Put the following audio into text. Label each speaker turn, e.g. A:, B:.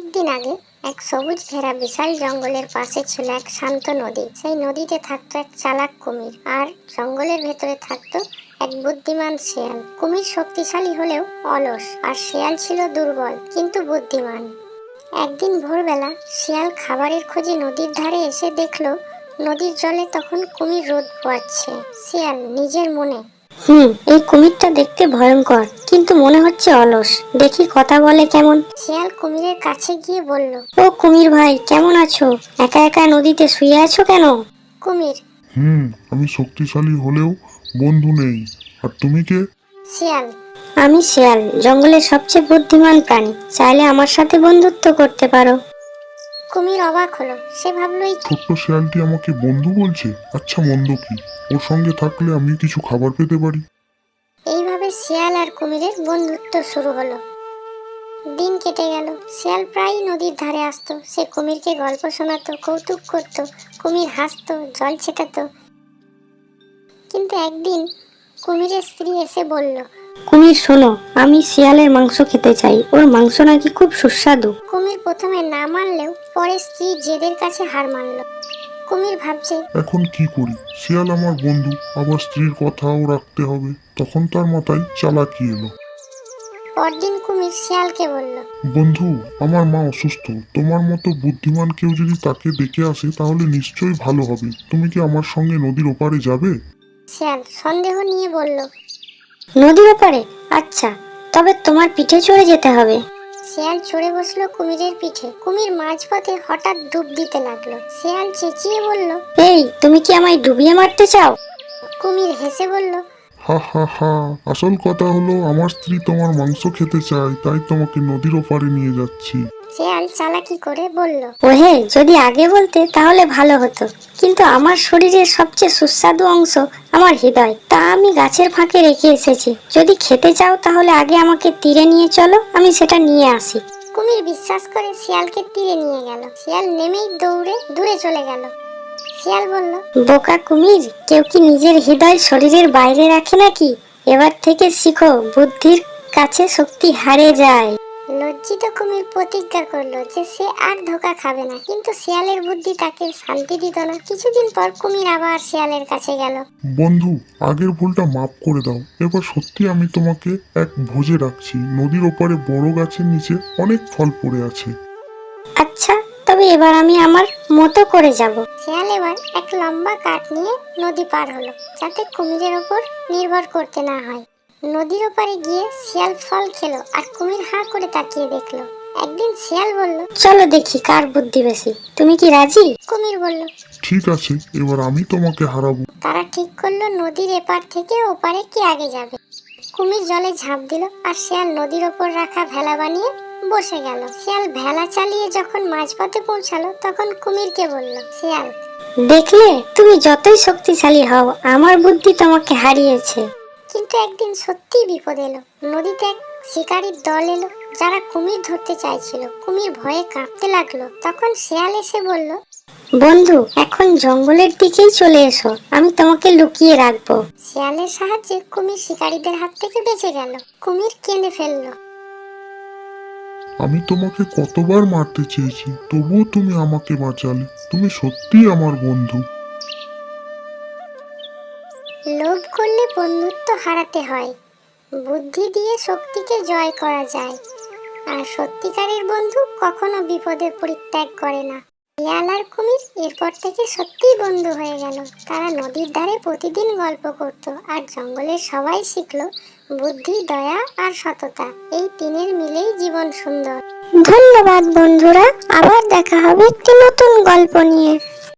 A: অনেক দিন আগে এক সবুজ ঘেরা বিশাল জঙ্গলের পাশে ছিল এক শান্ত নদী। সেই নদীতে থাকতো এক চালাক কুমির, আর জঙ্গলের ভেতরে থাকতো এক বুদ্ধিমান শিয়াল। কুমির শক্তিশালী হলেও অলস, আর শিয়াল ছিল দুর্বল কিন্তু বুদ্ধিমান। একদিন ভোরবেলা শিয়াল খাবারের খোঁজে নদীর ধারে এসে দেখলো নদীর জলে তখন কুমির রোদ পোয়াচ্ছে। শিয়াল নিজের মনে, এই কুমিরটা দেখতে ভয়ঙ্কর, কিন্তু মনে হচ্ছে অলস, দেখি কথা বলে কেমন। শিয়াল কুমিরের কাছে গিয়ে বলল, ও কুমির ভাই, কেমন আছো? একা একা নদীতে শুয়ে আছো কেন? কুমির,
B: আমি শক্তিশালী হলেও বন্ধু নেই। আর তুমি কে?
A: শিয়াল, আমি শিয়াল, জঙ্গলের সবচেয়ে বুদ্ধিমান প্রাণী, চাইলে আমার সাথে বন্ধুত্ব করতে পারো। কুমির অবাক হলো, সে ভাবলো এই
B: ছোট্ট শিয়ালটি আমাকে বন্ধু বলছে। আচ্ছা, মন্দ কি? ওর সঙ্গে থাকলে আমি কিছু খাবার পেতে পারি।
A: এইভাবে শিয়াল আর কুমিরের বন্ধুত্ব শুরু হলো। দিন কেটে গেল। শিয়াল প্রায় নদীর ধারে আসতো। সে কুমিরকে গল্প শোনাতো, কৌতুক করত। কুমির হাসতো, জল ছেটাতো। কিন্তু একদিন কুমিরের স্ত্রী এসে বলল, কুমির শোনো, আমি শিয়ালের মাংস খেতে চাই, ওর মাংস নাকি খুব সুস্বাদু। কুমির প্রথমে না মানলেও পরে স্ত্রী জেদের কাছে হার মানল। কুমির ভাবছে,
B: এখন কি করি? শিয়াল আমার বন্ধু, আবার স্ত্রীর কথাও রাখতে হবে। তখন তার মাথায় চালাকি এলো।
A: পরদিন কুমির শিয়ালকে বলল,
B: বন্ধু, আমার মা অসুস্থ। তোমার মতো বুদ্ধিমান কেউ যদি তাকে ডেকে আসে তাহলে নিশ্চয়ই ভালো হবে। তুমি কি আমার সঙ্গে নদীর ওপারে যাবে?
A: শিয়াল সন্দেহ নিয়ে বলল, নদীর ওপারে? আচ্ছা, তবে তোমার পিঠে চড়ে যেতে হবে। শিয়াল চড়ে বসলো কুমিরের পিঠে। কুমির মাঝপথে হঠাৎ ডুব দিতে লাগলো। শিয়াল চেঁচিয়ে বলল, এই, তুমি কি আমায় ডুবিয়ে মারতে চাও? কুমির হেসে বলল,
B: হা হা হা, আসল কথা হলো আমার স্ত্রী তোমার মাংস খেতে চায়, তাই তোমাকে নদীর ওপারে নিয়ে যাচ্ছি।
A: শিয়াল চালাকি করে বলল, ওহে, যদি আগে বলতে তাহলে ভালো হতো, কিন্তু আমার শরীরের সবচেয়ে সুস্বাদু অংশ আমার হৃদয়, তা আমি গাছের ফাঁকে রেখে এসেছি। যদি খেতে চাও তাহলে আগে আমাকে তীরে নিয়ে চলো, আমি সেটা নিয়ে আসি। কুমির বিশ্বাস করে শিয়ালকে তীরে নিয়ে গেল। শিয়াল নেমেই দৌড়ে দূরে চলে গেল। শিয়াল বলল, বোকা কুমির, কেউ কি নিজের হৃদয় শরীরের বাইরে রাখে নাকি? এবার থেকে শিখো, বুদ্ধির কাছে শক্তি হারে যায়। লজ্জিত কুমির প্রতিজ্ঞা করলো যে সে আর ধোঁকা খাবে না, কিন্তু শিয়ালের বুদ্ধি তাকে শান্তি দিত না। কিছুদিন পর কুমির আবার শিয়ালের কাছে গেল।
B: বন্ধু, আগের ভুলটা মাফ করে দাও। এবার সত্যি আমি তোমাকে এক ভোজে রাখছি। নদীর ওপারে বড় গাছের নিচে অনেক ফল পড়ে আছে।
A: আচ্ছা, তবে এবার আমি আমার মতো করে যাব। শিয়াল এবার এক লম্বা কাঠ নিয়ে নদী পার হলো, যাতে কুমিরের ওপর নির্ভর করতে না হয়। নদীর ওপারে গিয়ে শিয়াল ফল খেলো, আর কুমির হাঁ করে তাকিয়ে দেখলো। একদিন শিয়াল বলল, চলো দেখি কার বুদ্ধি বেশি, তুমি কি রাজি? কুমির বলল,
B: ঠিক আছে, এবার আমি তোমাকে হারাবো।
A: তারা ঠিক করলো নদীর এপার থেকে ওপারে কে আগে যাবে। কুমির জলে ঝাঁপ দিল, আর শিয়াল নদীর ওপর রাখা ভেলা বানিয়ে বসে গেল। শিয়াল ভেলা চালিয়ে যখন মাঝপথে পৌঁছালো, তখন কুমিরকে বলল, শিয়াল, দেখলে, তুমি যতই শক্তিশালী হও, আমার বুদ্ধি তোমাকে হারিয়েছে। কিন্তু একদিন সত্যিই বিপদ এলো। নদীতে এক শিকারীর দল এলো, যারা কুমির ধরতে চাইছিল। কুমির ভয়ে কাঁপতে লাগলো। তখন শিয়াল এসে বলল, বন্ধু, এখন জঙ্গলের দিকেই চলে এসো, আমি তোমাকে লুকিয়ে রাখবো। শিয়ালের সাহায্যে কুমির শিকারীদের হাত থেকে বেঁচে গেল। কুমির কেঁদে ফেললো।
B: আমি তোমাকে কতবার মারতে চেয়েছি, তবুও তুমি আমাকে বাঁচালে। তুমি সত্যিই আমার বন্ধু।
A: লোভ করলে বন্ধুত্ব হারাতে হয়, বুদ্ধি দিয়ে শক্তিকে জয় করা যায়, আর সত্যিকারের বন্ধু কখনো বিপদে পরিত্যাগ করে না। শিয়াল আর কুমির এরপর থেকে সত্যিই বন্ধু হয়ে গেল। তারা নদীর ধারে প্রতিদিন গল্প করত, আর জঙ্গলের সবাই শিখলো বুদ্ধি, দয়া আর সততা, এই তিনের মিলেই জীবন সুন্দর। ধন্যবাদ বন্ধুরা, আবার দেখা হবে একটি নতুন গল্প নিয়ে।